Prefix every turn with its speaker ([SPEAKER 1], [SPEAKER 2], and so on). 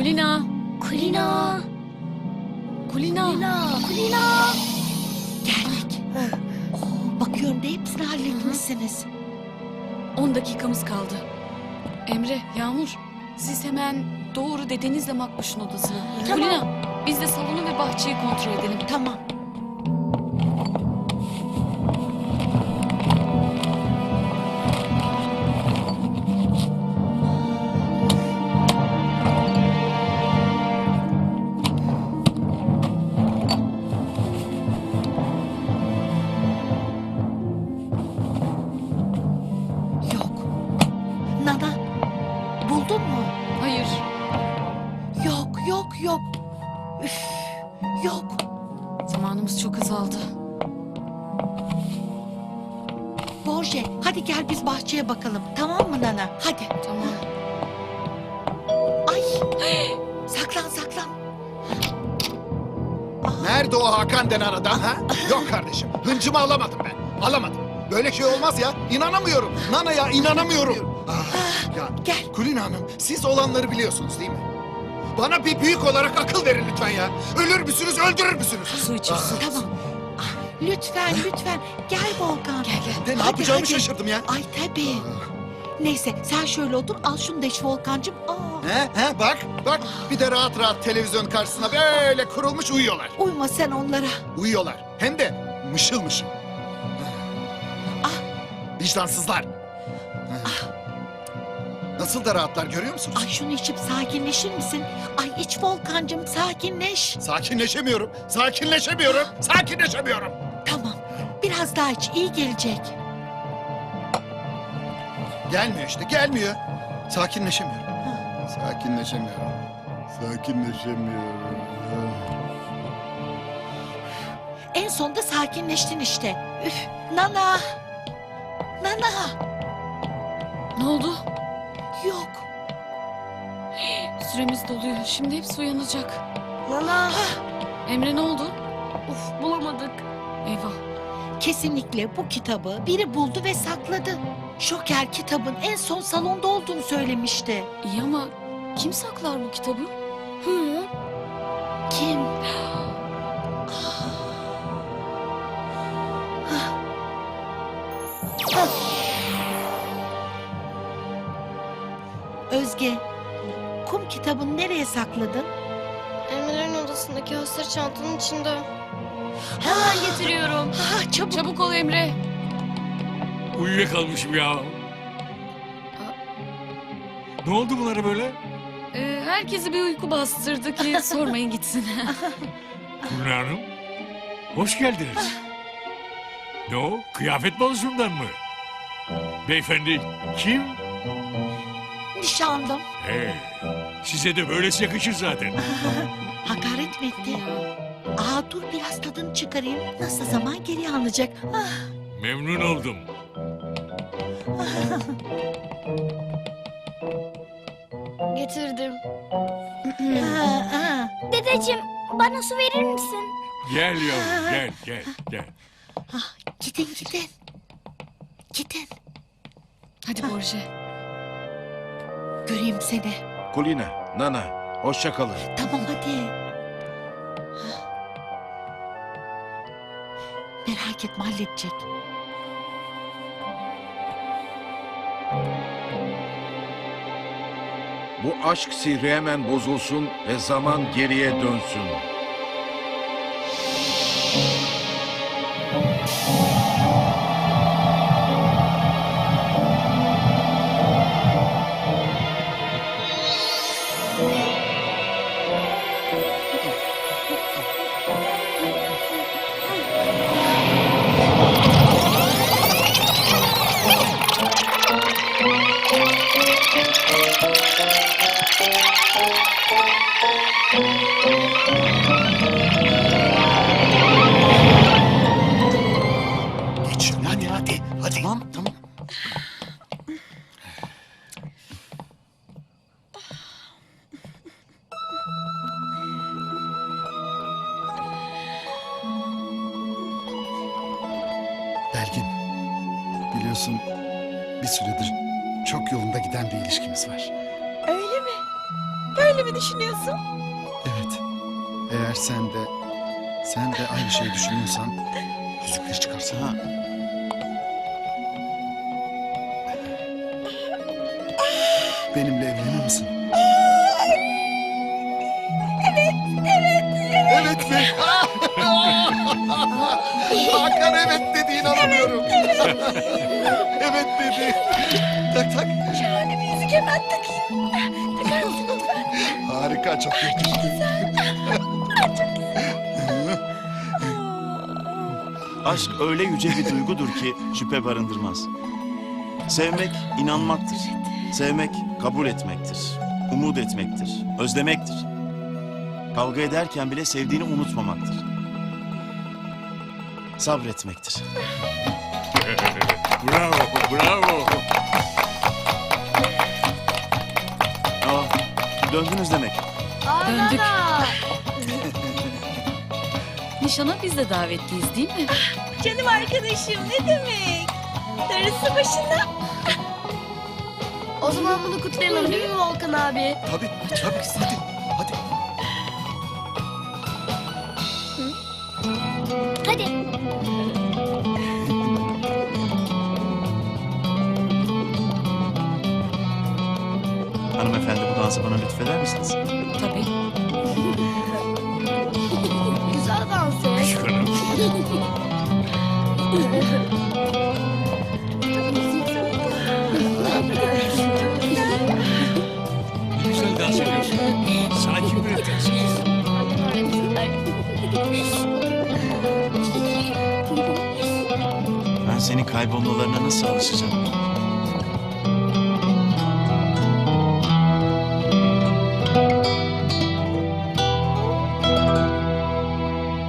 [SPEAKER 1] Kulina.
[SPEAKER 2] Kulina.
[SPEAKER 1] Kulina.
[SPEAKER 2] Kulina.
[SPEAKER 3] Geldik. Bakıyorum da hepsini halletmişsiniz.
[SPEAKER 1] 10 dakikamız kaldı. Emre, Yağmur, siz hemen doğru dedenizle Makbuş'un odasına.
[SPEAKER 2] Tamam.
[SPEAKER 1] Kulina, biz de salonu ve bahçeyi kontrol edelim.
[SPEAKER 3] Tamam. Yok. Nana, buldun mu?
[SPEAKER 1] Hayır.
[SPEAKER 3] Yok. Üf, yok.
[SPEAKER 1] Zamanımız çok azaldı.
[SPEAKER 3] Borje, hadi gel biz bahçeye bakalım. Tamam mı Nana? Hadi.
[SPEAKER 1] Tamam.
[SPEAKER 3] Ay. Saklan.
[SPEAKER 4] Nerede o Hakan denen adam ha? Yok kardeşim. Hıncımı alamadım ben. Alamadım. Böyle şey olmaz ya. İnanamıyorum. Nana'ya inanamıyorum. Ya
[SPEAKER 3] Gel.
[SPEAKER 4] Kulina Hanım, siz olanları biliyorsunuz değil mi? Bana bir büyük olarak akıl verin lütfen ya. Ölür müsünüz, öldürür müsünüz?
[SPEAKER 1] Su içir, su.
[SPEAKER 3] Tamam. Lütfen. Gel Volkan.
[SPEAKER 1] Gel.
[SPEAKER 4] Ben ne
[SPEAKER 3] Hadi,
[SPEAKER 4] yapacağımı
[SPEAKER 3] hadi.
[SPEAKER 4] şaşırdım ya.
[SPEAKER 3] Ay tabii. Neyse sen şöyle otur, al şunu da iç Volkancığım.
[SPEAKER 4] Bak. Bir de rahat rahat televizyon karşısına böyle kurulmuş uyuyorlar.
[SPEAKER 3] Uyma sen onlara.
[SPEAKER 4] Uyuyorlar. Hem de mışıl mışıl. Vicdansızlar. Nasıl da rahatlar görüyor musunuz?
[SPEAKER 3] Ay şunu içip sakinleşir misin? Ay iç Volkancığım, sakinleş.
[SPEAKER 4] Sakinleşemiyorum.
[SPEAKER 3] Tamam, biraz daha iç, iyi gelecek.
[SPEAKER 4] Gelmiyor işte, gelmiyor. Sakinleşemiyorum.
[SPEAKER 3] En sonunda sakinleştin işte. Üf, Nana.
[SPEAKER 1] Ne oldu?
[SPEAKER 3] Yok.
[SPEAKER 1] Süremiz doluyor. Şimdi hepsi uyanacak.
[SPEAKER 2] Nana.
[SPEAKER 1] Emre ne oldu?
[SPEAKER 2] Uf, bulamadık.
[SPEAKER 1] Eyvah.
[SPEAKER 3] Kesinlikle bu kitabı biri buldu ve sakladı. Şoker kitabın en son salonda olduğunu söylemişti.
[SPEAKER 1] İyi ama kim saklar bu kitabı?
[SPEAKER 2] Hı.
[SPEAKER 3] Kim? Özge, kum kitabını nereye sakladın?
[SPEAKER 2] Emre'nin odasındaki hasır çantanın içinde. Hemen getiriyorum.
[SPEAKER 3] Ha, çabuk.
[SPEAKER 1] Çabuk ol Emre.
[SPEAKER 5] Uyuyakalmışım ya. Ne oldu bunlara böyle?
[SPEAKER 1] Herkesi bir uyku bastırdı ki sormayın gitsin.
[SPEAKER 5] Kulina Hanım, hoş geldiniz. Ne o, kıyafet balosundan mı? Beyefendi kim?
[SPEAKER 3] Nişanlım.
[SPEAKER 5] Size de böylesi yakışır zaten.
[SPEAKER 3] Hakaret mi etti? Dur biraz tadını çıkarayım. Nasıl zaman geri alacak?
[SPEAKER 5] Memnun oldum.
[SPEAKER 2] Getirdim.
[SPEAKER 3] Ha.
[SPEAKER 2] Dedeciğim, bana su verir misin?
[SPEAKER 5] Gel yavrum, gel.
[SPEAKER 3] Gidin.
[SPEAKER 1] Hadi Borje.
[SPEAKER 3] Göreyim seni.
[SPEAKER 6] Kulina, Nana, hoşça kalın.
[SPEAKER 3] Tamam hadi. Merak etme, halledecek.
[SPEAKER 6] Bu aşk sihri hemen bozulsun ve zaman geriye dönsün.
[SPEAKER 4] Geç şöyle hadi.
[SPEAKER 3] Tamam.
[SPEAKER 4] Belgin, biliyorsun bir süredir çok yolunda giden bir ilişkimiz var.
[SPEAKER 7] Öyle mi? Böyle öyle mi düşünüyorsun?
[SPEAKER 4] Evet. Eğer sen de aynı şeyi düşünüyorsan yüzükleri çıkarsana. Benimle evlenir misin? Evet mi? Hakan evet dedi, inanamıyorum. Evet dedi. Tak tak.
[SPEAKER 7] Şahane bir yüzük hemen takayım. Takar mısın lütfen?
[SPEAKER 4] Harika, çok yakıştı.
[SPEAKER 8] Aşk öyle yüce bir duygudur ki şüphe barındırmaz. Sevmek inanmaktır. Sevmek kabul etmektir. Umut etmektir. Özlemektir. Kavga ederken bile sevdiğini unutmamaktır. Sabretmektir.
[SPEAKER 5] Bravo, bravo.
[SPEAKER 8] Döndünüz demek.
[SPEAKER 1] Döndük. Nişana biz de davetliyiz değil mi?
[SPEAKER 7] Canım arkadaşım ne demek? Darısı başına.
[SPEAKER 2] O zaman bunu kutlayalım değil mi Volkan abi?
[SPEAKER 4] Tabii, hadi, hadi.
[SPEAKER 2] Hadi.
[SPEAKER 8] Hanımefendi bu dansı bana lütfeder misiniz?
[SPEAKER 1] Tabii.
[SPEAKER 2] Güzel dans et.
[SPEAKER 5] Çıkarım. Ne güzel dans ediyorsun. Sana kim öğretti?
[SPEAKER 8] Ben senin kaybolmalarına nasıl alışacağım?